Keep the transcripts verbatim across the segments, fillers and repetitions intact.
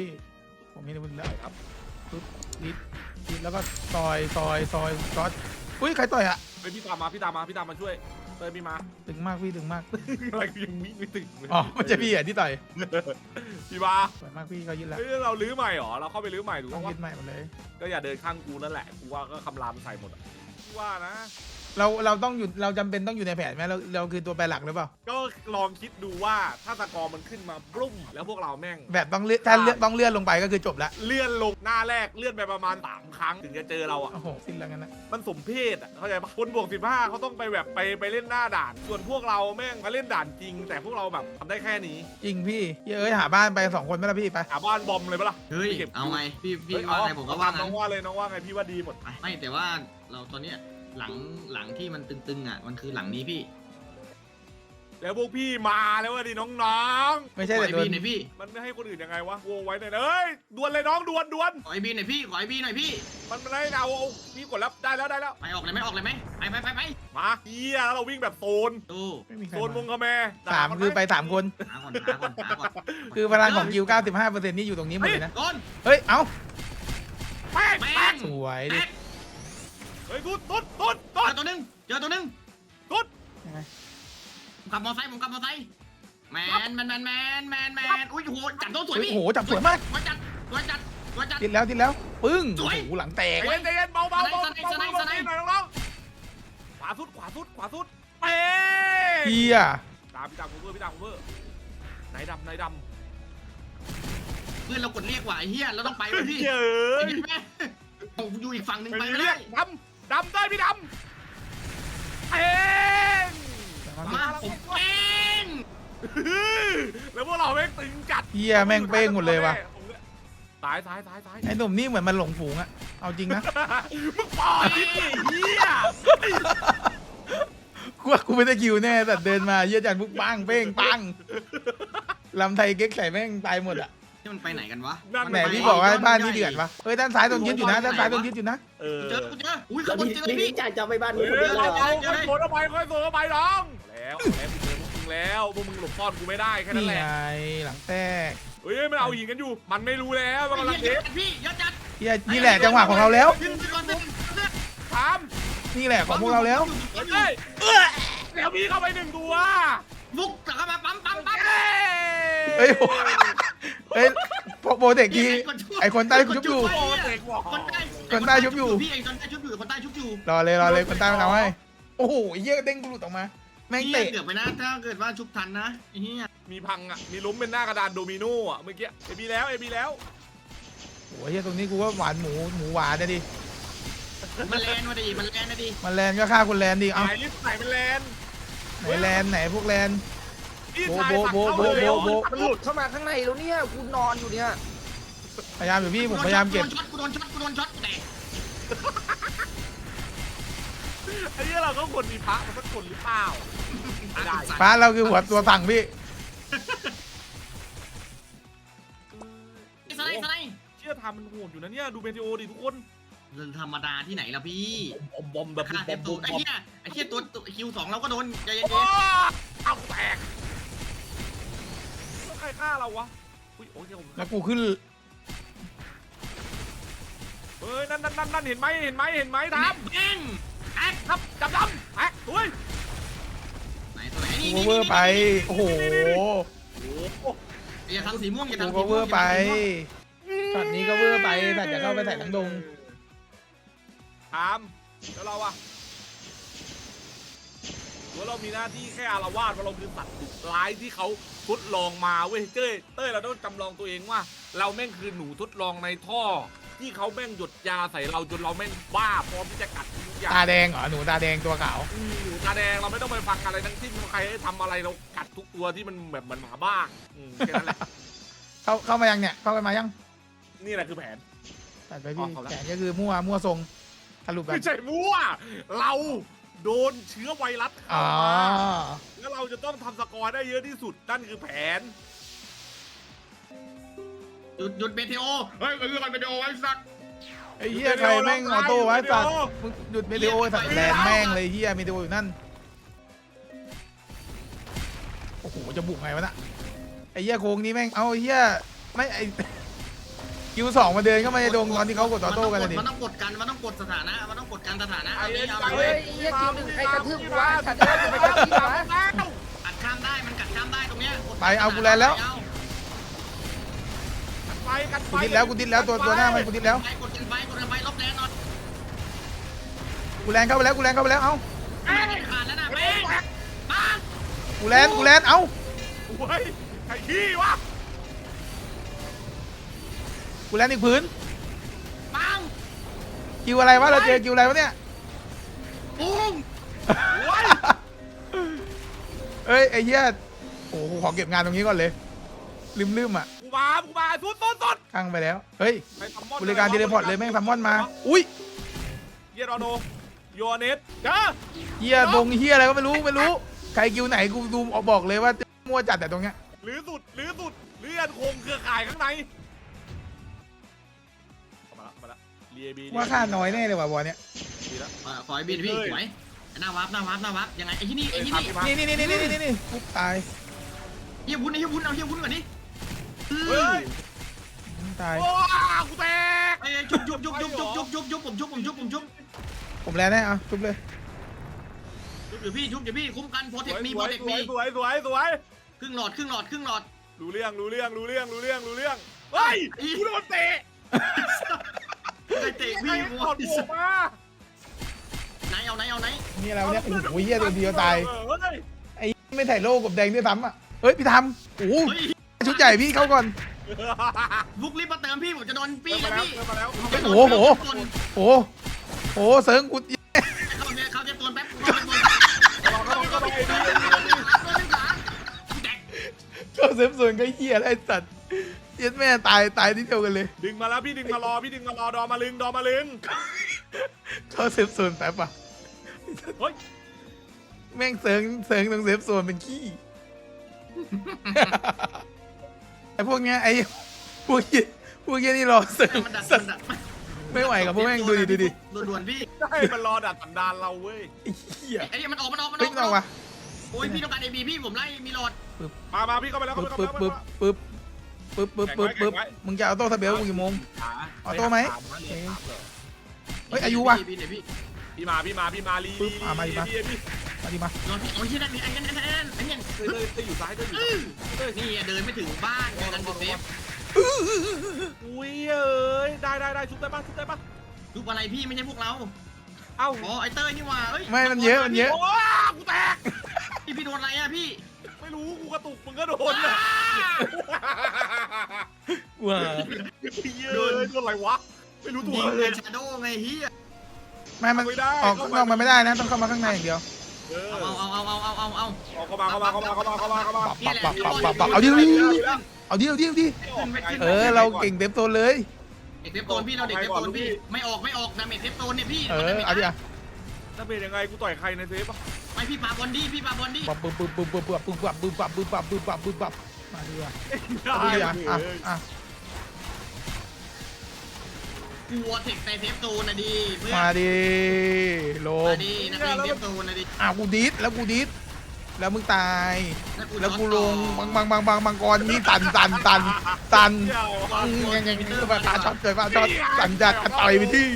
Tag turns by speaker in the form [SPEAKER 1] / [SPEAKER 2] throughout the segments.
[SPEAKER 1] พี่ผมมีอาวุธแล้วครับปึ๊บลิดลิดแล้วก็ซอยซอยซอยซอยอุ้ยใครต่อยอะ
[SPEAKER 2] ไปพี่ตามมาพี่ตามมาพี่ตามมาช่วยเตยพี่มา
[SPEAKER 1] ตึงมากพี่ตึงมาก
[SPEAKER 2] อะไรยังวิ่งไม่ถึง
[SPEAKER 1] อ๋อไม่ใช่พี่อ่ะที่ต่อย
[SPEAKER 2] พี่มา
[SPEAKER 1] สวยมากพี่เขายึดแล้ว
[SPEAKER 2] เฮ้ยเราลื้อใหม่หรอเราเข้าไปลื้อใหม่ถูก
[SPEAKER 1] ต้
[SPEAKER 2] ต้
[SPEAKER 1] อ
[SPEAKER 2] อง ง
[SPEAKER 1] ยึดใหม่หมดเลย
[SPEAKER 2] ก็อย่าเดินข้างกูนั่นแหละกูว่าก็คำรามใส่หมดอ่ะว่านะ
[SPEAKER 1] เราเราต้องอยู่เราจำเป็นต้องอยู่ในแผนไหมเราเราคือตัวแปรหลักหรือเปล่า
[SPEAKER 2] ก็ลองคิดดูว่าถ้าตะกอมันขึ้นมาบลุ้มแล้วพวกเราแม่ง
[SPEAKER 1] แบบต้องเลื่อนถ้าเลื่อนต้องเลื่อนลงไปก็คือจบละ
[SPEAKER 2] เลื่อนลงหน้าแรกเลื่อนไปประมาณสามครั้งถึงจะเจอเราอ่ะ
[SPEAKER 1] โอ้โหสิ้นแล้วกันนะ
[SPEAKER 2] มันสมเพศอ่ะเข้าใจปะคนบวกสิบห้าเขาต้องไปแบบไปไปเล่นหน้าด่าน ส่วนพวกเราแม่งมาเล่นด่านจริง แต่พวกเราแบบทำได้แค่นี้
[SPEAKER 1] จริงพี่เอ้ยหาบ้านไปสองคนไหมล่ะพี่ไป
[SPEAKER 2] หาบ้านบอมเลยปะล่ะ
[SPEAKER 3] เฮ้ย
[SPEAKER 2] เก็บ
[SPEAKER 3] เอาไงพี่พี่
[SPEAKER 2] เฮ้ย
[SPEAKER 3] ว่าไงผมก็ว่า
[SPEAKER 2] น้
[SPEAKER 3] งั้
[SPEAKER 2] อน งว่าเลยน้องว่าไงพี่ว่าดีหมด
[SPEAKER 3] ไปไม่แต่ว่าเราตอนเนี้ยหลังหลังที่มันตึงๆอ่ะมันคือหลังนี้พี่
[SPEAKER 2] แล้วพวกพี่มาแล้วว่ะดิน้อง
[SPEAKER 1] ไม่ใช่
[SPEAKER 3] ขอ
[SPEAKER 1] แต่
[SPEAKER 3] ไอ
[SPEAKER 1] โด
[SPEAKER 3] บี
[SPEAKER 1] น
[SPEAKER 3] หน่อยพี่
[SPEAKER 2] ๆมันไม่ให้คนอื่นยังไงวะโวไว้หน่อยนะเอ้ยดวลเลยน้องดวลดวล
[SPEAKER 3] ขอไอบีหน่อยพี่ขอไอบีหน่อยพี่
[SPEAKER 2] มันไม่ให้เอาเอาพี่กดแล้วได้แล้วได้แล้ว
[SPEAKER 3] ไปออกเลยไหมออกเลยไหมไปไปไปไป
[SPEAKER 2] มาเฮียแล้วเราวิ่งแบบโซน
[SPEAKER 3] ดู
[SPEAKER 1] ไม่มีใคร
[SPEAKER 2] โซนวง
[SPEAKER 1] มา
[SPEAKER 2] คาแม
[SPEAKER 1] สามคือไปสามคน
[SPEAKER 3] หาก่อนหาก่อนหาก่อน
[SPEAKER 1] คือพลังของกิวเก้าสิบห้าเปอร์เซ็นต์นี่อยู่ตรงนี้หมดเลยนะ
[SPEAKER 3] โดน
[SPEAKER 1] เฮ้ยเอ้า
[SPEAKER 2] แป๊ก
[SPEAKER 3] แม่
[SPEAKER 2] แป๊ก
[SPEAKER 3] ง
[SPEAKER 1] สวยดิ
[SPEAKER 3] แตก
[SPEAKER 2] เฮ้ยตุ๊ดตุ๊ดตุ๊ด
[SPEAKER 3] เจ
[SPEAKER 2] ตุ๊
[SPEAKER 3] อ
[SPEAKER 2] ด
[SPEAKER 3] ตัวหนึงเจอตัวหนึง
[SPEAKER 2] ตุ๊ด
[SPEAKER 1] ยังไง
[SPEAKER 3] ผมขับมอไซค์ผมขับมอไซค์แมนแมนแมนแมนแมนแมนอุ้ยโหจับโดนสวย
[SPEAKER 1] เฮ้ย
[SPEAKER 3] พี่
[SPEAKER 1] โอ้โหจับสวยมาก
[SPEAKER 3] สวยจัดสวยจัดสวยจัด
[SPEAKER 1] ติดแล้วติดแล้วปึ้ง
[SPEAKER 3] ส
[SPEAKER 1] โอ้
[SPEAKER 3] วย
[SPEAKER 1] โหหลังแตก
[SPEAKER 2] ใจเย็นใจเย็นเบาเบาเบา
[SPEAKER 3] สไนด์
[SPEAKER 2] เบา
[SPEAKER 3] สไนด์
[SPEAKER 2] เบา
[SPEAKER 3] สไนด์
[SPEAKER 2] หน่อยน้องๆขวาสุดขวาสุดขวาสุดเป๊
[SPEAKER 1] เฮีย
[SPEAKER 2] ตามพี่ตามผมเพื่อพี่ตามผมเพื่อไหนดำไหนดำ
[SPEAKER 3] เพื่อนเรากดเรียกว่ะไอ้เหี้ยเราต้องไปเว้ยพี่
[SPEAKER 2] เย้ย
[SPEAKER 3] ไอ้แม่ผมอยู่อีกฝั่งหนึ่งไป
[SPEAKER 2] ไม่
[SPEAKER 3] ไม่
[SPEAKER 2] เรี
[SPEAKER 3] ได้
[SPEAKER 2] ยกดำดำได้พี่ดำเอง
[SPEAKER 3] มาผมเป้ง
[SPEAKER 2] แล้วพวกเราแม่งตึงจัด
[SPEAKER 1] เฮียแม่งเป้งหมดเลยว่ะ
[SPEAKER 2] ซ้ายซ้ายซ้ายซ้าย
[SPEAKER 1] ไอ้หนุ่มนี่เหมือนมันหลงฝูงอะเอาจริงนะ
[SPEAKER 2] มึงปล่อยเฮีย
[SPEAKER 1] กูว่ากูไม่ได้คิวแน่แต่เดินมาเยี่ยจันปุ๊บปังเป้งปังลำไทยเก๊กใส่แม่งตายหมดอะ
[SPEAKER 3] นี่มันไปไหนกันวะ
[SPEAKER 1] ไหนพี่บอกว่าบ้านนี่เดือดวะเฮ้ยด้านซ้ายโดนยึดอยู่นะด้านซ้ายโดนยึดอยู่นะ
[SPEAKER 2] เออ
[SPEAKER 3] เจอกูเจออุ้ยขบวนเจอเลย
[SPEAKER 4] พี่
[SPEAKER 3] พี่
[SPEAKER 4] จ่ายจะไปบ้าน
[SPEAKER 2] เฮ้
[SPEAKER 4] มึงคนเดี
[SPEAKER 2] ย
[SPEAKER 4] ยวเลย
[SPEAKER 2] เรา
[SPEAKER 4] เหรอ
[SPEAKER 2] เอาค่อยโผล่เข้าไปค่อยโผล่เข้าไปน้องแล้วแล้วกูเจอพวกมึงแล้วพวกมึงหลบซ่อนกูไม่ได้แค่นั้น
[SPEAKER 1] นี่
[SPEAKER 2] แหละ
[SPEAKER 1] ไงหลังแตก
[SPEAKER 2] เฮ้ยมันเอาหินกันอยู่ มันไม่รู้แล้วมันกำลัง
[SPEAKER 3] เย
[SPEAKER 2] เท
[SPEAKER 3] อะ
[SPEAKER 2] ป
[SPEAKER 3] จัดพี่เยอะจัด
[SPEAKER 1] เฮียนี่แหละจังหวะของเราแล้ว
[SPEAKER 3] ยืนก่อนเต้น
[SPEAKER 2] ถาม
[SPEAKER 1] นี่แหละของพวกเราแล้ว
[SPEAKER 2] เฮ้ยแล้วพี่เข้าไปหนึ่งตัว
[SPEAKER 3] ฟุกกลับมาปั๊มปั๊มปั๊ม
[SPEAKER 1] เฮ้ยโอ้เฮ้ยโปรเทคทีไอคนใต้ชุบอยู่
[SPEAKER 2] โอ้เด็กบอก
[SPEAKER 3] คนใต้
[SPEAKER 1] คนใต้ชุบอยู่
[SPEAKER 3] พี่ไอ้คนใต้ชุบอยู่คนใต้ชุบอยู่
[SPEAKER 1] รอเลยรอเลยคนใต้มันเอาให้โอ้โหเฮียเด้งกูหลุดออกมาแม่ง
[SPEAKER 3] พี่
[SPEAKER 1] เตะ
[SPEAKER 3] เกือบไปนะถ้าเกิดว่าชุบทันนะไอ้เหี้ย
[SPEAKER 2] มีพังอ่ะ มีล้มเป็นหน้ากระดานโดมิโนอ่ะเมื่อกี้เอบีแล้วเอบีแล้ว
[SPEAKER 1] โอ้ยเฮียตรงนี้กูว่าหวานหมูหมูหวานนะดิ
[SPEAKER 3] มันแลนมาดิมันแลนนะดิ
[SPEAKER 1] มันแลนก็ฆ่าคนแลนดิ
[SPEAKER 2] ไห
[SPEAKER 1] เอา
[SPEAKER 2] นลิสไหนเป็นแลน
[SPEAKER 1] ไหนแลนไหนพวกแลน
[SPEAKER 2] พี่
[SPEAKER 1] โบ
[SPEAKER 2] ชาย
[SPEAKER 1] โบ
[SPEAKER 2] สั่ง
[SPEAKER 1] โบ
[SPEAKER 2] เข้า
[SPEAKER 1] โบ
[SPEAKER 2] เร็ว
[SPEAKER 1] โบ
[SPEAKER 4] มันหลุดเข้ามาข้างในแล้วเนี่ยกูนอนอยู่เนี่ย
[SPEAKER 1] พยายามอยู่พี่ผมพยายามเก็บ
[SPEAKER 3] กูโดนช็อตกูโดนช็อตแตก
[SPEAKER 2] ไอ้เนี้ยเราก็ควรมีพระมันสักคนหรือเปล่าไม่ได้
[SPEAKER 1] ฟ้าเราคือหัวตัวสั่งพี่
[SPEAKER 3] ไอ้สไลด์สไลด์
[SPEAKER 2] เชื่อทำมันโหดอยู่นะเนี่ยดูเมทีโอดิทุกคน
[SPEAKER 3] เรื่องธรรมดาที่ไหนล่ะพี่
[SPEAKER 2] บอมบอมแบบ
[SPEAKER 3] ฆ่า
[SPEAKER 2] บ
[SPEAKER 3] เต็
[SPEAKER 2] อ
[SPEAKER 3] ม
[SPEAKER 2] ม
[SPEAKER 3] ตู
[SPEAKER 2] บอ
[SPEAKER 3] ด
[SPEAKER 2] ม
[SPEAKER 3] ไอ้
[SPEAKER 2] บอม
[SPEAKER 3] เหี้ยไอ้เหี้ยตัวคิวสองเราก็โดนใจเย็น
[SPEAKER 2] โอ้เอาแตกใครฆ่าเราวะอุ้ยโอ้ยผม
[SPEAKER 1] แล้วกูขึ้น
[SPEAKER 2] เฮ้ยนั่นนั่นนั่นนั่นเห็นไหมเห็นไหมเห็นไหม
[SPEAKER 3] ๆ
[SPEAKER 2] ท
[SPEAKER 3] ทับเองแอ๊ก
[SPEAKER 2] ำทับจับดำแอ๊กอุ้ย
[SPEAKER 3] ไหนตัวไหนนี่
[SPEAKER 1] กู
[SPEAKER 3] นี่
[SPEAKER 1] เวอร์ไปโอ้โห
[SPEAKER 2] โอ้โห
[SPEAKER 3] อย่าทำสีม่วงอย่า
[SPEAKER 1] กู
[SPEAKER 3] ทำสี
[SPEAKER 1] ก็
[SPEAKER 3] ม่วง
[SPEAKER 1] เวอร์ไปช็อตนี้ก็เวอร์ไปแต่จะเข้าไปใส่ทั้งดง
[SPEAKER 2] ถามแล้วเราอะว่าเรามีหน้าที่แค่อารวาสว่าเราคือสัตว์ดุร้ายที่เขาทดลองมาเว้ยเจ้ยเต้ยเราต้องจำลองตัวเองว่า เราแม่งคือหนูทดลองในท่อ ที่เขาแม่งหยดยาใส่เราจนเราแม่งบ้าพร้อมที่จะกัดทุกอย่าง
[SPEAKER 1] ตาแดงเหรอหนูตาแดงตัวขาว
[SPEAKER 2] อืมหนูตาแดงเราไม่ต้องไปฟังอะไรทั้งสิ้นใครให้ทำอะไรเรากัดทุกตัวที่มันแบบเหมันหมาบ้าอืมแค่นั้นแหละ
[SPEAKER 1] เข้าเข้ามายังเนี่ยเข้าไปมายัง
[SPEAKER 2] นี่แหละคือแผน
[SPEAKER 1] ตัดไปพี่
[SPEAKER 2] ออกเขาแล้ว
[SPEAKER 1] แขนก็คือมั่วมั่วทรงสรุปแบบ
[SPEAKER 2] ไม่ใช่มั่วเราโดนเชื้อไวรัส
[SPEAKER 1] อ๋
[SPEAKER 2] เข้า
[SPEAKER 1] อ
[SPEAKER 2] มาแล้วเราจะต้องทำสกอร์ได้เยอะที่สุดนั่นคือแผน
[SPEAKER 3] หยุดหยุดเบทีโอเฮ้ยมันคือมันเบทีโอไอ้สัก
[SPEAKER 1] ไอ้เหี้ยใครแม่งออโต้ไว้สัตว์มึงหยุดเมดิโอสัตว์แลนแม่งเลยเหี้ยเมดิโออยู่นั่นโอ้โหจะบุกไงวะน่ะไอ้เหี้ยโค้งนี้แม่งเอาไอ้เหี้ยไม่ไอ้คิวสองมาเดินเข้ามาในดงตอนที่เขากดต่อโต้กันเลยดิ
[SPEAKER 3] มันต้องกดกันมันต้องกดสถานะมันต้องกดกันสถานะ
[SPEAKER 2] ไอ้
[SPEAKER 3] เอา
[SPEAKER 2] เอ็
[SPEAKER 3] ดิ
[SPEAKER 2] น
[SPEAKER 3] เอา
[SPEAKER 2] ไอ้
[SPEAKER 3] ดิ
[SPEAKER 2] เอ็น
[SPEAKER 4] เฮียคิวหนึ่งใครกระทืบกูวะฉันเดินจะไปกระทืบวะ
[SPEAKER 3] กัดข้ามได้มันกัดข้ามได้ตรงเนี้ย
[SPEAKER 1] ไปเอากูแลนแล้ว
[SPEAKER 2] ไปกันไป
[SPEAKER 1] กูดิดแล้วกูดิดแล้วตัวตัวหน้ามันกูดิดแล้ว
[SPEAKER 3] ไปกดกันไปกดกันไปลบแดนหน่อย
[SPEAKER 1] กูแลนเข้าไปแล้วกูแลนเข้าไปแล้วเอ้า
[SPEAKER 3] แม่งขาดแล้วนะแม่งปัง
[SPEAKER 1] กูแลนกูแลนเอ้า
[SPEAKER 2] โอ้ยไอ้ขี้วะ
[SPEAKER 1] กูแลนอีกพื้น
[SPEAKER 3] ปัง
[SPEAKER 1] คิวอะไรวะเราเจอคิวอะไรวะเนี่ย
[SPEAKER 3] ปุ้ง
[SPEAKER 2] โอ้ย
[SPEAKER 1] เอ้ยไอ้เหี้ยโอ้โหขอเก็บงานตรงนี้ก่อนเลยลืมลืมๆอ่ะ
[SPEAKER 2] กูมากูมาสุดสุดสุด
[SPEAKER 1] ข้างไปแล้วเฮ้ย
[SPEAKER 2] ไปซัมมอน
[SPEAKER 1] บริการเทเลพอร์ตเลยแม่งซัมมอนมาอุ้ย
[SPEAKER 2] เยรอโนโยเนสจ้า
[SPEAKER 1] เหี้ยดงเหี้ยอะไรก็ไม่รู้ไม่รู้ใครคิวไหนกูดูออกบอกเลยว่ามั่วจัดแต่ตรงเนี้ย
[SPEAKER 2] หรือสุดหรือสุดหรือยันคงเครือข่ายข้างในเข้ามาละเข้ามาละเรียบี
[SPEAKER 1] ว่าค่าน้อยแน่เลยว่ะบอลเนี้ย
[SPEAKER 2] ดีแล้ว
[SPEAKER 3] เออขอให้บินพี่สวยหน้าวับหน้าวับหน้าวับยังไงไอ้ที่นี่ไอ้ที่นี่
[SPEAKER 1] นี่นี่นี่นี่นี่นี่นี่ปุ๊บตาย
[SPEAKER 3] เฮียวุ้นไอ้เฮียวุ้นเอาเฮียวุ้นก่อนดิ
[SPEAKER 2] เฮ้ย
[SPEAKER 1] ตาย
[SPEAKER 2] โอ้กูแตก
[SPEAKER 3] ไอ้จุบจุบจุบจุบจุบจุบจุบจุบผมจุบผมจุบผมจุบ
[SPEAKER 1] ผมแล้วแน่อ่ะทุบเลย
[SPEAKER 3] จุบเดี๋ยวพี่จุบเดี๋ยวพี่คุ้มกันโปร
[SPEAKER 2] ส
[SPEAKER 3] เท
[SPEAKER 2] ว
[SPEAKER 3] ค
[SPEAKER 2] ย
[SPEAKER 3] มี
[SPEAKER 2] ส
[SPEAKER 3] โปร
[SPEAKER 2] วย
[SPEAKER 3] เทค
[SPEAKER 2] สว
[SPEAKER 3] มี
[SPEAKER 2] ยสวยสวยสวย
[SPEAKER 3] ครึ่งหลอดครึ่งหลอดครึ่งหลอด
[SPEAKER 2] รู้เรื่องรู้เรื่องรู้เรื่องรู้เรื่องรู้เรื่องเฮ้ยกูโดนเตะ
[SPEAKER 3] ไอ้เตะ
[SPEAKER 2] ไอ้
[SPEAKER 3] พี่
[SPEAKER 2] ถอดหมวกมา
[SPEAKER 3] ไหนเอาไหนเอาไหน
[SPEAKER 1] นี่อะไรวะเนี่ยโอ้โหเหี้ยตัวเดียวตาย
[SPEAKER 2] เฮ้ย
[SPEAKER 1] ไอ้ไม่ถ่ายโลกกับแดงด้วยซ้ำอ่ะเฮ้ยพี่ทำโอ้โห
[SPEAKER 3] เฮ้ย
[SPEAKER 1] ชุดใหญ่พี่เข้าก่อน
[SPEAKER 3] บุกรีบมาเติมพี่ผมจะโดนปี้
[SPEAKER 2] มา
[SPEAKER 3] แล้ว
[SPEAKER 2] แล้ว
[SPEAKER 3] พี่
[SPEAKER 2] มาแล้ว
[SPEAKER 1] โอ้โหโอ้โหโอ้โหเซิร์งกู
[SPEAKER 3] เขาจะเขาจะตัวแป๊บเขาจะตัว
[SPEAKER 2] เข้าเข้าไปดี
[SPEAKER 1] ก็เซฟส่วนก็เหี้ยอะไรสัตว์เย็ดแม่ตายตายที่เดียวกันเลย
[SPEAKER 2] ดึงมาแล้วพี่ดึงมารอพี่ดึงมารอดอมาลึงดอมาลึง
[SPEAKER 1] ก็เซฟส่วนแป๊บอ่ะ
[SPEAKER 2] เฮ้ย
[SPEAKER 1] แม่งเซิร์งเซิร์งตรงเซฟส่วนเป็นขี้ ไอ้พวกเนี้ยไอ้พวกเหี้ยพวกเหี้ยนี่รอเซิร์ง
[SPEAKER 3] มันดัก
[SPEAKER 1] สั
[SPEAKER 3] มั
[SPEAKER 1] ต
[SPEAKER 3] น
[SPEAKER 1] ว์
[SPEAKER 3] ดัก
[SPEAKER 1] ไม่ไหวกับพวกแม่งดูดิดูดิ
[SPEAKER 3] ด่วนๆพี่
[SPEAKER 2] ใช่มันรอดัดสันดานเราเว้ย
[SPEAKER 1] ไอ้เหี้ย
[SPEAKER 3] ไอ้มันออกมันออกมันอ
[SPEAKER 1] เฮ้ย
[SPEAKER 3] อก
[SPEAKER 1] ไม่ต้องวะ
[SPEAKER 3] โอ้ยพี่ต้องการเอบีพี่ผมไล่มีหลอด
[SPEAKER 2] มามาพี่เข้าไปแล้ว
[SPEAKER 1] ปึ๊บ
[SPEAKER 2] เข้าไป
[SPEAKER 1] ปึ๊บ
[SPEAKER 2] แล้ว
[SPEAKER 1] ปึ๊บปึ๊บปึ๊บปึ๊บปึ๊บปึ๊บมึงจะเอาโต้ทะเบลมึงกี่โมง เอาโต้ไหม เฮ้ยอายุวะ
[SPEAKER 3] พี่เดี๋ยวพี่
[SPEAKER 2] พี่มาพี่มาพี่มาลี
[SPEAKER 1] ปึ๊บอ่ะมาดิมา
[SPEAKER 2] พี่พี่
[SPEAKER 1] มาดิมา
[SPEAKER 3] รอพี่โอ้ยที่นั่นนี่ไอ้นั่นไอ้นั่นไอ้นั่น
[SPEAKER 2] เต้ยเต้ยเต้ยอยู่ซ้ายเต้ยอยู่ซ้ายเต้ย
[SPEAKER 3] นี่เดินไม่ถึงบ้านกันเซฟ
[SPEAKER 2] อุ้ยเอ้ยได้ได้ได้ชุบได้ปะชุบได้ปะ
[SPEAKER 3] รูปอะไรพี่ไม่ใช่พวกเรา
[SPEAKER 2] เอ้า
[SPEAKER 3] อ๋อไอ้เต้ยนี่ว่าเอ้ย
[SPEAKER 1] ไม่มันเยอะมันเยอะ
[SPEAKER 2] โอ้กูแตก
[SPEAKER 3] พี่พี่โดนอะไรอะพี่
[SPEAKER 2] ไม่รู้กูกระตุกมึงก็โดนเลย
[SPEAKER 1] ว้า
[SPEAKER 2] โดนโดนอะไรวะไม่รู้ตัว
[SPEAKER 3] ยิง
[SPEAKER 2] เล
[SPEAKER 3] เลย ยชาโดไงเฮีย
[SPEAKER 1] ไม่มัน
[SPEAKER 2] ไม่ได้
[SPEAKER 1] ออกข้างนอกมันไม่ได้นะต้องเข้ามาข้างในอย่างเดียว
[SPEAKER 2] เออ
[SPEAKER 3] เอาเอาเอาเอาเอาเอาเอา
[SPEAKER 2] เอาเข้ามาเข้ามาเข้ามาเข้ามาเข้ามาเข้ามา
[SPEAKER 1] ปับปับปับปับปับเอาดิเอาดิเอาดิเอาดิเอาดิเออเราเก่งเต็มตัวเลย
[SPEAKER 3] เด็กเทปโตนพี่เราเด็กเทปโตนพี่ไม่ออกไม่ออกดาเมจเทปโตนเนี่ยพี่
[SPEAKER 1] เออเอาดิอ่ะ
[SPEAKER 2] ถ้าเป็นยังไงกูต่อยใครในเซฟอ่ะ
[SPEAKER 3] ไม่พี่ปาบอลดี้พี่ปาบอลดี้
[SPEAKER 1] ปับปึ๊บปึ๊บปึ๊บปึ๊บปึ๊บปึ๊บปับปึ๊บปับปึ๊บปับปึ๊บปับปึ๊บปับมาดิอ่ะเอาดิอ่ะอ่ะอ่ะ
[SPEAKER 3] กลัวเทคในเทปโตนนะดีเพื่อน
[SPEAKER 1] มาดิโล
[SPEAKER 3] มาดีนักเลงเทปโตนนะดี
[SPEAKER 1] อ่ะกูดิสแล้วกูดิสแล้วมึงตาย
[SPEAKER 3] แล้
[SPEAKER 1] แล้ว
[SPEAKER 3] ว
[SPEAKER 1] กู
[SPEAKER 3] กู
[SPEAKER 1] ล
[SPEAKER 3] ล
[SPEAKER 1] ง
[SPEAKER 3] ง
[SPEAKER 1] บางบางบางบางบางกรนี่ตันตันตันตัน
[SPEAKER 2] เดี๋ยว
[SPEAKER 1] อืมยังยังยังปาช็อตเลยปาช็อตสันจัดต่อยไปที่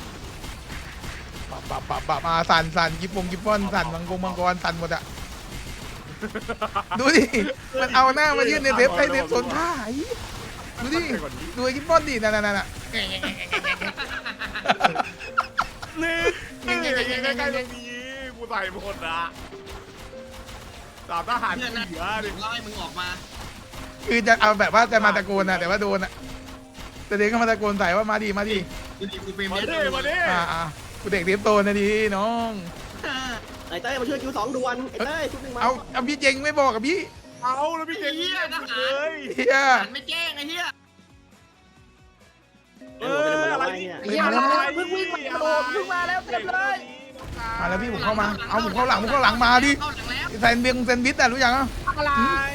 [SPEAKER 1] ปับปับปับปับมาสันสันกิบปงกิบป้อนสันมังกรมังกรสันหมดอะดูดิมันเอาหน้ามายื่นในเซฟในเซฟโซนท่าไอ้ดูดิดูไอ้กิบป้อนดินั่นนั่นนั่น
[SPEAKER 2] นี่นี่ใกล้ๆตรงนี้กูใส่หมดนะสามทหาร
[SPEAKER 3] เพื่อนนะ
[SPEAKER 2] เหลือดิ
[SPEAKER 3] ไล่มึงออกมา
[SPEAKER 1] คือจะเอาแบบว่าจะมาตะโกนอะแต่ว่าโดนอะแต่เด็กก็มาตะโกนใส่ว่ามาดิมาดิ
[SPEAKER 3] ดูดิกูเฟรม
[SPEAKER 2] มา
[SPEAKER 3] เนี้ย
[SPEAKER 2] ดิมาดิ
[SPEAKER 1] อ่าอ่ากูเด็กเทปโตนะดิน้อง
[SPEAKER 5] ไอ้เต้ยมาช่วยคิวสองด่วนไอ้เต้ยชุดหนึ่งมา
[SPEAKER 1] เอาเอาพี่เจงไม่บอกกับพี่
[SPEAKER 2] เอาแล้วพี่เก่งเลย
[SPEAKER 1] เฮีย
[SPEAKER 3] หันไม่แจ้งไอ้เหี้ย
[SPEAKER 2] เอออะไรนี่
[SPEAKER 4] ไอ้เหี้ยมาแล้วเพิ่งวิ่งมาโดดเพิ่งมาแล้วเต็มเลย
[SPEAKER 1] มาแล้วพี่ผมเข้ามาเอาผมเข้าหลังผมเข้าหลังมาดิ
[SPEAKER 3] เข้าหลังแล้ว
[SPEAKER 1] แซนเบียงแซนวิชอะรู้ยังอ่ะ
[SPEAKER 2] อะไร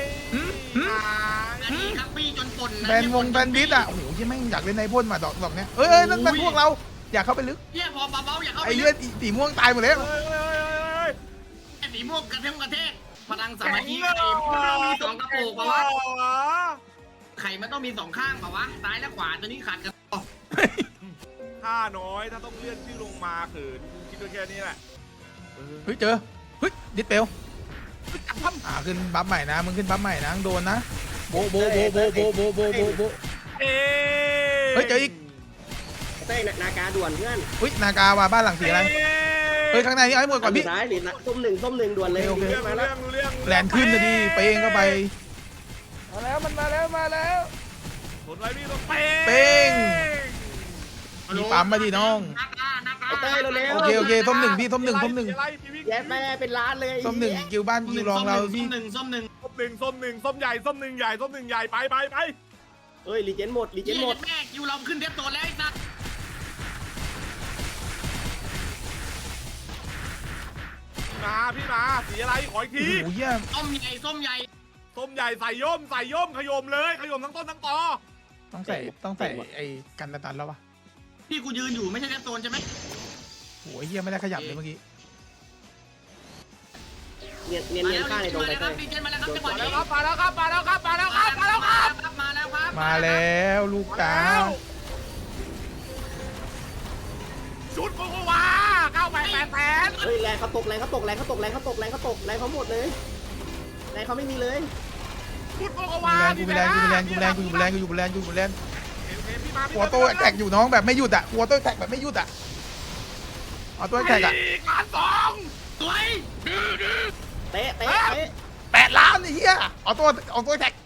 [SPEAKER 3] อันนี้ครับพี่จนปนนะ
[SPEAKER 1] แซนวงแซนวิชอะโอ้โหยังไม่งอยากเล่นในพ่นมาดอกดอกเนี้ยเอ้ยเอ้ยนั่นเป็นพวกเราอยากเข้าไปลึก
[SPEAKER 3] เหี้ยพอเบาๆอย่าเข้าไป
[SPEAKER 1] ไอ้เลือดสีม่วงตายหมดแล้ว
[SPEAKER 2] เฮ้ยเฮ้ยเฮ้ย
[SPEAKER 3] ไอ้สีม่วงกระเทมกระเทกพลังสามัคคีไอ้เพื่อนมีสองกระโปรงปะวะข่มันต้องมีสองข้างเปล่าวะซ้ายและขวาตัวนี้ขาดกันอ๋อ
[SPEAKER 2] ค่าน้อยถ้าต้องเลื่อนชื่อลงมาเขินกูคิดด้วยแค่นี้แหละเออ
[SPEAKER 1] เฮ้ยเจอเฮ้ยดิสเปลอ่าขึ้นบัฟใหม่นะมึงขึ้นบัฟใหม่นะโดนนะโบโบโบโบโบโบโบโบโบ
[SPEAKER 2] เอ๊
[SPEAKER 1] เฮ้ยเจออีก
[SPEAKER 5] เต้ยนากาด่วนเพื่อน
[SPEAKER 1] เฮ้ยนากาว่าบ้านหลังสีอะไรเฮ้ยข้างในนี่เอาให้หมดก่อนพี่
[SPEAKER 5] ซ้ายหรือส้มหนึ่งส้มหนึ่งด่วนเลย
[SPEAKER 1] โอเค
[SPEAKER 2] รู้เรื่อง
[SPEAKER 5] มา
[SPEAKER 2] รู้
[SPEAKER 5] แล้
[SPEAKER 2] เรื่
[SPEAKER 5] ว
[SPEAKER 2] องรู้เรื่อง
[SPEAKER 1] แลนขึ้นนะดิเป้งเข้าไป
[SPEAKER 4] มาแล้วมันมาแล้วมาแล้ว
[SPEAKER 2] ผลไว้พี่ต้องเป้ง
[SPEAKER 1] เป้ง มีปั๊มมาดิน้อง
[SPEAKER 3] นากานากา
[SPEAKER 5] เต้ยเร็ว
[SPEAKER 1] โอเคโอเคส้มหนึ่งพี่ส้มหนึ่งส้มหนึ่ง
[SPEAKER 2] อะไรพี่วิ่ง
[SPEAKER 5] แย่แม่เป็นล้านเลย
[SPEAKER 1] ส้มหนึ่งกิวบ้านกิวรองเรา
[SPEAKER 3] ส้
[SPEAKER 1] พี่
[SPEAKER 3] มหนึ่งส้มหนึ่ง
[SPEAKER 2] ส้มหนึ่งส้มหนึ่งส้มใหญ่ส้มหนึ่งใหญ่ส้มหนึ่งใหญ่ไปไปไป
[SPEAKER 5] เอ้ยรีเจนหมดรีเจ
[SPEAKER 3] เย็
[SPEAKER 5] น
[SPEAKER 3] น
[SPEAKER 5] หมด
[SPEAKER 3] แม่ยูเราขึ้นเทปโซนแล้วไอ้สัส
[SPEAKER 2] มาพี่มาสีอะไรขออีก
[SPEAKER 1] โอ้
[SPEAKER 2] ที
[SPEAKER 1] โหเยี่ยม
[SPEAKER 3] ส้มใหญ่ส้มใหญ่
[SPEAKER 2] ส้มใหญ่ใส่ย่มใส่ย่มขยมเลยขยมทั้งต้นทั้งตอ
[SPEAKER 1] ต้องใส่ต้องใส่ไอ้กันตันแล้ววะ
[SPEAKER 3] ที่กูยืนอยู่ไม่ใช่เทปโซนใช่ไหม
[SPEAKER 1] โอ้ยเยี่ยไม่ได้ขยับเลยเมื่อกี้
[SPEAKER 5] เนียนเนียน
[SPEAKER 3] มา
[SPEAKER 5] เนียน
[SPEAKER 3] แล้ว
[SPEAKER 5] ข้างในตรง
[SPEAKER 3] มา
[SPEAKER 5] ไป
[SPEAKER 3] แล้วค
[SPEAKER 5] เต้
[SPEAKER 3] รับ
[SPEAKER 5] ย
[SPEAKER 3] ดีเจนมาแล้วครับจังหวะ
[SPEAKER 2] มาแล้
[SPEAKER 3] นี้
[SPEAKER 2] วครับมาแล้วครับมาแล้วครับมาแล้วครับมาแล้วครับ
[SPEAKER 3] มาแล้วครับ
[SPEAKER 1] มาแล้วลูกตา
[SPEAKER 2] ชุดโกโกวาเก้าแปดแปดแสน
[SPEAKER 5] เฮ้ยแรงเขาตกแรงเขาตกแรงเขาตกแรงเขาตกแรงเขาตกแรงเขาหมดเลยแรงเขาไม่มีเลย
[SPEAKER 2] ชุดโกโก
[SPEAKER 1] กู
[SPEAKER 2] วา
[SPEAKER 1] มีแรงกูมีแรงกูมีแรงกูมีแรงกูอยู่แรงกูอยู่แรงกูอยู่แรง
[SPEAKER 2] เห็นเห็นพี่มาพี่
[SPEAKER 1] หัวโต้แตกอยู่น้องแบบไม่หยุดอ่ะหัวโต้แตกแบบไม่หยุดอ่ะเอาตัวแตกอ่ะ
[SPEAKER 2] การสอง
[SPEAKER 3] สวย
[SPEAKER 5] เตะเตะเตะ
[SPEAKER 1] แปดล้านไอ้เหี้ยเอาตัวเอาตัวแตก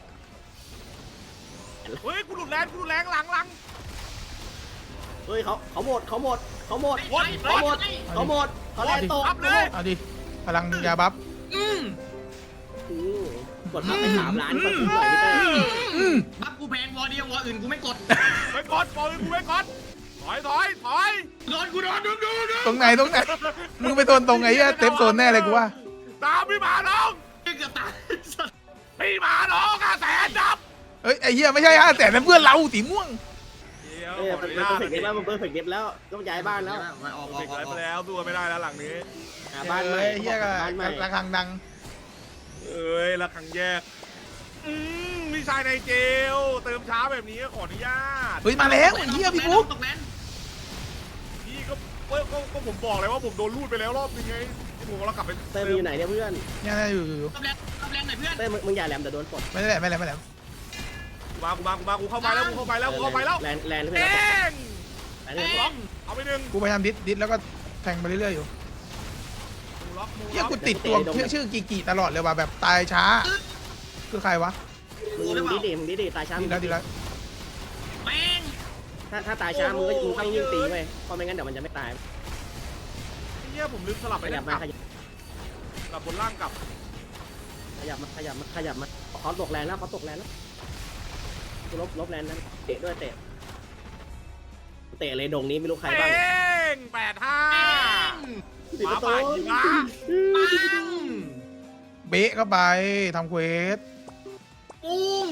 [SPEAKER 2] เฮ้ยกูหลุดแรงกูหลุดแรงหลังหลัง
[SPEAKER 5] เฮ้ยเขาเขาหมดเขาหมดเขาหมด
[SPEAKER 2] หมด
[SPEAKER 5] เขาหมดเขาหมดเขาแรงตก
[SPEAKER 2] รับเลย
[SPEAKER 1] เอาดิพลังยาบัฟ
[SPEAKER 3] อืม
[SPEAKER 5] อืมกดมาไปสามล้านกดถูกหน่อยพี่เต้ย
[SPEAKER 1] อืม
[SPEAKER 3] บัฟกูแพงวอเดียววออื่นกูไม่กด
[SPEAKER 2] ไปกดปล่อยกูไปกดถอยถอยถอย
[SPEAKER 3] โดนกูโดนดูดูดู
[SPEAKER 1] ตรงไหนตรงไหนมึงไปโดนตรงไหนเหี้ยเต็มโซนแน่เลยกูว่า
[SPEAKER 2] ตามพี่มาน้อง
[SPEAKER 3] เกือบตาย
[SPEAKER 2] พี่มาน้องอาแสนดับ
[SPEAKER 1] เอ้ยไอ้เหี้ยไม่ใช่ฮะแต่นั่นเพื่อนเราสีม่วง
[SPEAKER 5] เออมันเปิดเผยเก็บแล้วมันเปิดเผยเก็บแล้วต้องย้ายบ้านแล้ว
[SPEAKER 3] มาออกออ
[SPEAKER 2] เด็
[SPEAKER 3] ก
[SPEAKER 2] ก
[SPEAKER 3] อ
[SPEAKER 2] ไร
[SPEAKER 3] อก
[SPEAKER 2] ไปแล้วตัวไม่ได้แล้วหลังนี้
[SPEAKER 5] หาบ้านใหม่
[SPEAKER 1] เอ้ยเหี้ยก็
[SPEAKER 5] บ้านใหม่
[SPEAKER 1] ระฆังดัง
[SPEAKER 2] เอ้ยละครั้งแยกอืมพี่ชายในเจลเติมช้าแบบนี้ขออนุญาต
[SPEAKER 1] เฮ้ยมาแล้วไอ้เหี้ยพี่ปุ๊ก
[SPEAKER 3] ตกแลน
[SPEAKER 2] พี่ก็ก็ก็ก็ผมบอกเลยว่าผมโดนรูดไปแล้วรอบนึงไงที่ผมเรากลับไป
[SPEAKER 5] เต้ยมึงอยู่ไหนเนี่ยเพื่อน
[SPEAKER 1] เนี่ยอยู่อยู่อยู่
[SPEAKER 3] ตกแลนตกแลนหน่อยเพื่อน
[SPEAKER 5] เต้ยมึงมึงอย่าแหลมแต่โดนปลด
[SPEAKER 1] ไม่ได้แหละไม่ได้ไม่ได้
[SPEAKER 2] กูมากูมากูมากูเข้าไปแล้วกูเข้าไปแล้วกูเข้าไปแล้ว
[SPEAKER 5] แลนแลนเพื่
[SPEAKER 2] เอ
[SPEAKER 5] อน
[SPEAKER 2] ง
[SPEAKER 5] แลนเพื่อน
[SPEAKER 2] ล็อกเอาไปหนึ่ง
[SPEAKER 1] กูพยายามดิสดิสแล้วก็แทงไปเรื่อยๆอยู่
[SPEAKER 2] มูล็อกมู
[SPEAKER 1] เหี้ย
[SPEAKER 2] ล็อก
[SPEAKER 1] กูติดตัวชื่อชื่อกีกีตลอดเลยว่ะแบบตายช้า คือใครวะ
[SPEAKER 5] มึงมึงดีดีมึงดีดีตายช้า
[SPEAKER 1] ดีแล้วดีแล้ว
[SPEAKER 3] แม่ง
[SPEAKER 5] ถ้าถ้าตายช้ามึงก็มึงต้องยิ่งตีไปเพราะไม่งั้นเดี๋ยวมันจะไม่ตาย
[SPEAKER 2] เฮียผมลืมสลับ
[SPEAKER 5] ข
[SPEAKER 2] ไป
[SPEAKER 5] ยับ
[SPEAKER 2] ก
[SPEAKER 5] มา
[SPEAKER 2] ลับ
[SPEAKER 5] ขยับ
[SPEAKER 2] กลับบนล่างกลับ
[SPEAKER 5] ขยับมาขยับมาขยับมาเขาตกแรงแล้วเขาตกแรงแล้วกูลบลบแรงนั้นเตะด้วยเตะเตะเลยดงนี้ไม่รู้ใคร
[SPEAKER 2] เอ
[SPEAKER 5] บ้าง
[SPEAKER 2] งแปดห้า
[SPEAKER 5] สิบประตู
[SPEAKER 2] หมาป่าหิมะ
[SPEAKER 3] ปัง
[SPEAKER 1] เบะเข้าไปทำเควส
[SPEAKER 3] ปุ้ง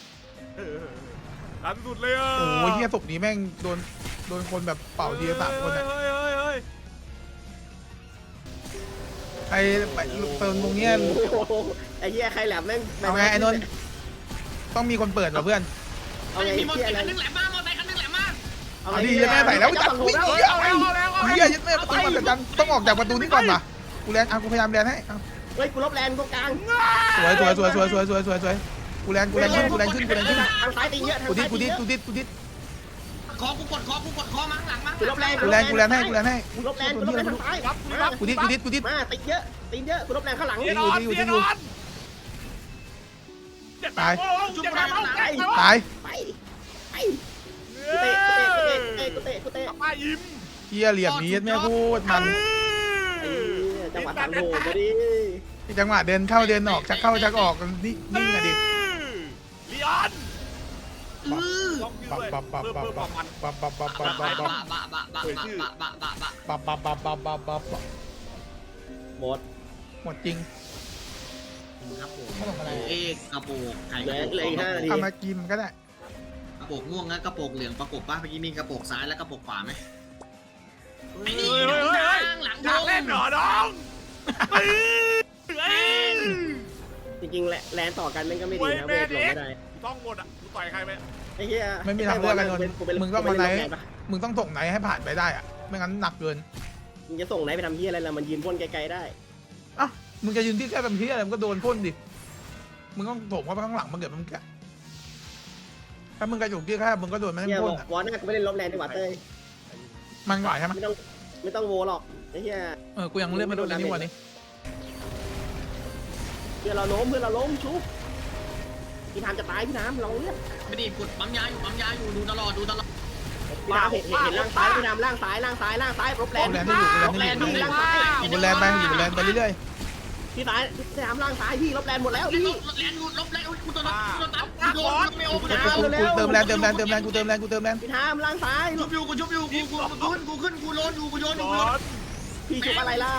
[SPEAKER 2] ดันสุดเลยอ่ะ
[SPEAKER 1] โอ้ยเหี้ยศพนี้แม่งโดนโดนคนแบบเป่าทีละสามคนอะ
[SPEAKER 2] เฮ้ยเฮ้ยเฮ้ย
[SPEAKER 1] ไอ้ไปเติมตรงเนี้ย
[SPEAKER 5] โอ้โหไอ้เหี้ยใครแหลมแม่ง
[SPEAKER 1] เอาไงไอ้นนท์ต้องมีคนเปิดเหรอเพื่อน
[SPEAKER 5] เอา
[SPEAKER 3] ไอ้
[SPEAKER 5] ไง
[SPEAKER 3] มีมอเตอ
[SPEAKER 5] เหี้ย
[SPEAKER 3] ร์
[SPEAKER 5] อะไร
[SPEAKER 3] ไซค์คันนึงแหลมมากมอเตอร์ไซค์คันนึงแหลมมาก
[SPEAKER 5] เอา
[SPEAKER 1] เอา
[SPEAKER 5] ไง
[SPEAKER 1] ดิยัดแม่ใส่แล้วจับวิ่ง
[SPEAKER 2] เอา
[SPEAKER 1] เหี้ย
[SPEAKER 2] แล้วเอาแล้วเอา
[SPEAKER 1] เหี้ยยัดแม่ประตูมาแต่จันต้องออกจากประตูนี้ก่อนป่ะกูแลนอ่ะกูพยายามแลนให้เอา
[SPEAKER 5] เฮ้ยกูลบแรงตรงกลาง
[SPEAKER 1] สวยสวยสวยสวยสวยสวยสวยสวยกูแลนกูแลนขึ้นกูแลนขึ้นกูแลนขึ้น
[SPEAKER 5] ทางซ้ายตีเยอะทาง
[SPEAKER 1] กูดิ
[SPEAKER 5] ซ้า
[SPEAKER 1] ด
[SPEAKER 5] ย
[SPEAKER 1] กู
[SPEAKER 5] ตี
[SPEAKER 1] ดิ
[SPEAKER 5] เย
[SPEAKER 1] ด
[SPEAKER 5] อะ
[SPEAKER 1] กูดิดกูดิด
[SPEAKER 3] คอกูกดคอกูกดคอมั้งหลังมั้ง
[SPEAKER 5] กูลบแรง
[SPEAKER 1] กูแลนกูแลนให้กูแลนให้
[SPEAKER 5] กูลบแรงกูลบแรงทางซ้าย
[SPEAKER 2] รับ
[SPEAKER 5] มา
[SPEAKER 2] รับ
[SPEAKER 1] กูดิดกูดิดกูดิด
[SPEAKER 5] มาตีเยอะตีเยอะกูลบแรงข้างหลัง
[SPEAKER 2] เสียนอนเสียนอนเจ็บแบบโอ้ยเจ็บแบบโอ้ย
[SPEAKER 1] ตาย
[SPEAKER 5] ไปไปกูเตะกูเตะกูเตะกูเตะกูเตะ
[SPEAKER 2] ป้ายิ้ม
[SPEAKER 1] เหี้ยเหลี่ยมนี้ยัดแม่พูดมัน
[SPEAKER 5] ไอ้จังหวะทางโหดมาดิ
[SPEAKER 1] จังหวะเดินเข้าเดินออกชักเข้าชักออกนี่นิ่งอะดิ
[SPEAKER 2] ลีออน
[SPEAKER 3] อือ
[SPEAKER 2] ล็อกยื
[SPEAKER 1] ปับ
[SPEAKER 2] ด้วย
[SPEAKER 1] ปับปับ
[SPEAKER 2] เพิ่ม
[SPEAKER 1] ปั
[SPEAKER 2] เพิ่
[SPEAKER 1] บ
[SPEAKER 2] มความมัน
[SPEAKER 1] ปับปับปับปับปับปับ
[SPEAKER 3] บะบะบะบะบะบะบะบะบะ
[SPEAKER 1] ปับปับปับปับปับปับปับ
[SPEAKER 5] หมด
[SPEAKER 1] หมดจริง
[SPEAKER 3] ครับผม
[SPEAKER 1] ขนมอะไร
[SPEAKER 3] เอกกระโปงไข่
[SPEAKER 5] เห
[SPEAKER 3] ก
[SPEAKER 5] ลื
[SPEAKER 3] ระ
[SPEAKER 5] อ
[SPEAKER 3] โปง
[SPEAKER 5] เหลืออีกห้านาที
[SPEAKER 1] ทำมากินก็ได้
[SPEAKER 3] กระโปงม่วงนะกระโปงเหลืองประกบป่ะเมื่อกี้มีกระโปงซ้ายและกระโปงขวาไหม
[SPEAKER 2] เฮ้
[SPEAKER 3] ไอ้
[SPEAKER 2] ย
[SPEAKER 3] นี่
[SPEAKER 2] เฮ้ย
[SPEAKER 3] หลัง
[SPEAKER 2] เฮ้ย
[SPEAKER 3] ทางหลัง
[SPEAKER 2] อยากเล่นเหรอน้องเฮ้ยเฮ้ย
[SPEAKER 5] จริงๆแลแลนต่อกันมันก็ไม่ดีนะเวทหลงไม่ได้
[SPEAKER 2] กูท่องหมดอ่ะกูต่อยใครไป
[SPEAKER 5] ไอ้เหี้ย
[SPEAKER 1] ไม่มีทางเลือกกันนนท์มึงต้องมาไหน
[SPEAKER 5] ปะ
[SPEAKER 1] มึงต้องส่งไหนให้ผ่านไปได้อะไม่งั้นหนักเกิน
[SPEAKER 5] มึงจะส่งไหนไปทำเหี้ยอะไรล่ะมันยืนพ่นไกลๆได้
[SPEAKER 1] อ่ะมึงจะยืนที่แค่แบบที่อะไรมึงก็โดนพ่นดิมึงต้องส่งเข้าไปข้างหลังมึงเกิดมึงแกถ้ามึงกระจุกที่แค่มึงก็โดนมัน
[SPEAKER 5] เหี้ย
[SPEAKER 1] พ่
[SPEAKER 5] บ
[SPEAKER 1] น
[SPEAKER 5] อก
[SPEAKER 1] อ่ะ
[SPEAKER 5] วอลหน้ากูไม่เล่นลบแลนดีกว่าเต้ย
[SPEAKER 1] มันกว่าใช่ไหม
[SPEAKER 5] ไม่ต้องไม่ต้องโวหรอกไอ้เหี้ย
[SPEAKER 1] เออกูยังเลือกไม่โดนเลยนี่หว่านี่
[SPEAKER 5] เพื่อนเราล้มเพื่อนเราล้มชุบพี่น้ำจะตายพี่น้ำเราเนี่ย
[SPEAKER 3] ไม่ดีกดปั๊มยาอยู่ปั๊มยาอยู่ดูตลอดดูตลอด
[SPEAKER 5] พี่น้ำเห็นเห็นเห็นล่างซ้ายพี่น้ำล่างซ้ายล่างซ้ายล่างซ้ายลบแลน
[SPEAKER 1] แลนด์ที่อยู่
[SPEAKER 5] ลบ
[SPEAKER 1] แล
[SPEAKER 5] แล
[SPEAKER 1] น
[SPEAKER 5] น
[SPEAKER 1] ด์
[SPEAKER 5] ด์
[SPEAKER 1] ที่
[SPEAKER 5] พี่
[SPEAKER 1] อยู่
[SPEAKER 5] ล่างซ้าย
[SPEAKER 1] อยู่บนแลนด์ไปอยู่บนแลนด์ไปเรื่อย
[SPEAKER 5] พี่ซ้ายพี่น้ำล่างซ้ายพี่ลบแลนด์หมดแล้วพี่
[SPEAKER 3] แลนดูลบแลนกูตัวนั้นกูตัวนั้นกูโดนไม่โอ้
[SPEAKER 1] ๆ
[SPEAKER 3] กู
[SPEAKER 1] กู
[SPEAKER 3] จะ
[SPEAKER 1] กูกูเติมแลนด์เติมแลนด์เติมแลนด์กูเติมแลนด์กูเติมแลนด์
[SPEAKER 5] พี่น้ำล่างซ้าย
[SPEAKER 3] ชุบอยู่กูชุบอยู่กูกูกูขึ้นกูขึ้นกูโยนอยู่กูโยนอยู่
[SPEAKER 2] บ
[SPEAKER 3] กูโย
[SPEAKER 2] อน ส
[SPEAKER 5] พี่ชุบอะไรล่ะ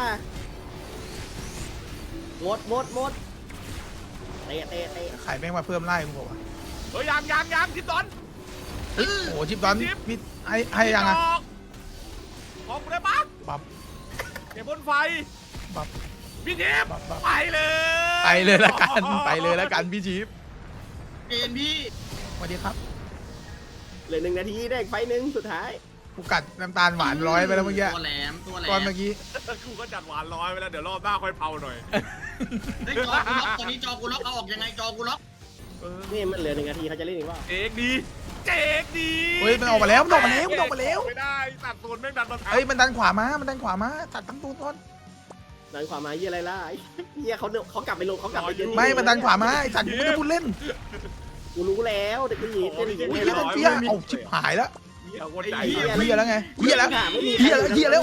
[SPEAKER 5] หมดหมดหมดเตะเตะเตะ
[SPEAKER 1] ขายแม่งมาเพิ่มไล่กูบอกว่า
[SPEAKER 2] เฮ้ยยังยังยังคิดตอน
[SPEAKER 1] โอ้โหชิปตอนพี่ให้ให้ยังอ่ะ
[SPEAKER 2] ออกกูได้ปะ
[SPEAKER 1] บับ
[SPEAKER 2] เก็บบนไฟ
[SPEAKER 1] บับ
[SPEAKER 2] พี่ทิพย์
[SPEAKER 1] บับบับ
[SPEAKER 2] ไปเลย
[SPEAKER 1] ไปเลยละกันไปเลยละกันพี่ชิป
[SPEAKER 3] เอ็นพี่
[SPEAKER 1] สวัสดีครับ
[SPEAKER 5] เหลือหนึ่งนาทีได้อีกไฟหนึ่งสุดท้าย
[SPEAKER 1] กูกัดน้ำตาลหวานร้อยไปแล้วเมื่อกี้
[SPEAKER 3] ตัวแหลมตัวแหล
[SPEAKER 1] ตอน
[SPEAKER 3] ม
[SPEAKER 1] เมื่อกี้
[SPEAKER 2] กูก็จัดหวานร้อยไปแล้วเดี๋ยวรอบหน้าค่อยเผาหน่อย
[SPEAKER 3] ไอ้จอกูล็อกตอนนี้จอกูล็อกเอาออกยังไงจอกูล็อก
[SPEAKER 5] นี่มันเหลือหนึ่งนาทีเขาจะเล่นอีกว่า
[SPEAKER 2] เจ๊กดีเจ๊กดี
[SPEAKER 1] เฮ้ยมันออกมาแล้วมันออกมาแล้วมันออกมาแล้ว
[SPEAKER 2] ไม่ได้ตัดโซนแม่งดันมา
[SPEAKER 1] เฮ้ยมันดันขวามามันดันขวามาตัดทั้งตัวก่อน
[SPEAKER 5] ดันขวามาเยี่ยอะไรล่ะเยี่ยเขาเขากลับไปลงเขากลับไปเดิน
[SPEAKER 1] ไม่มันดันขวามาไอ้สัตว์กูไม่ได้พูดเล่น
[SPEAKER 5] กูรู้แล้วเด็กผู้หญิงเล่นอย่าง
[SPEAKER 1] อุ้ย
[SPEAKER 5] นี้
[SPEAKER 1] เฮีย
[SPEAKER 5] แล้ว
[SPEAKER 1] ดันเฟียเอาชิบหายแล้ว
[SPEAKER 2] เหี้ยคนใจ
[SPEAKER 1] เฮียแล้วไงเฮียแล้ว
[SPEAKER 5] ไม่มี
[SPEAKER 1] เฮียแล้วเฮียแล้ว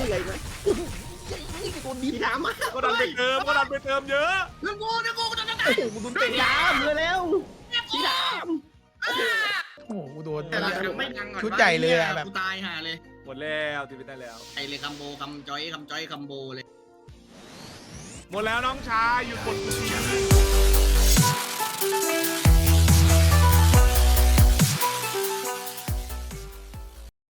[SPEAKER 5] พี่ถามมา
[SPEAKER 2] ก็ดันไปเติมก็ดันไปเติมเยอะ
[SPEAKER 3] นึกกูนึกกูกูจะจะ
[SPEAKER 1] โอ้โหกูโดนเตะ
[SPEAKER 5] พี่ถามเลยแล้วพี่ถาม
[SPEAKER 1] โอ้โหกูโดน
[SPEAKER 3] แต่ไม่ดังก่อน
[SPEAKER 1] ชุดใหญ่เลยอะแบบ
[SPEAKER 3] กูตายห่าเลย
[SPEAKER 2] หมดแล้วทีวิตได้แล้ว
[SPEAKER 3] ไอเลยคัมโบคัมจอยคัมจอยคัมโบเลย
[SPEAKER 2] หมดแล้วน้องชายหยุดกดกูที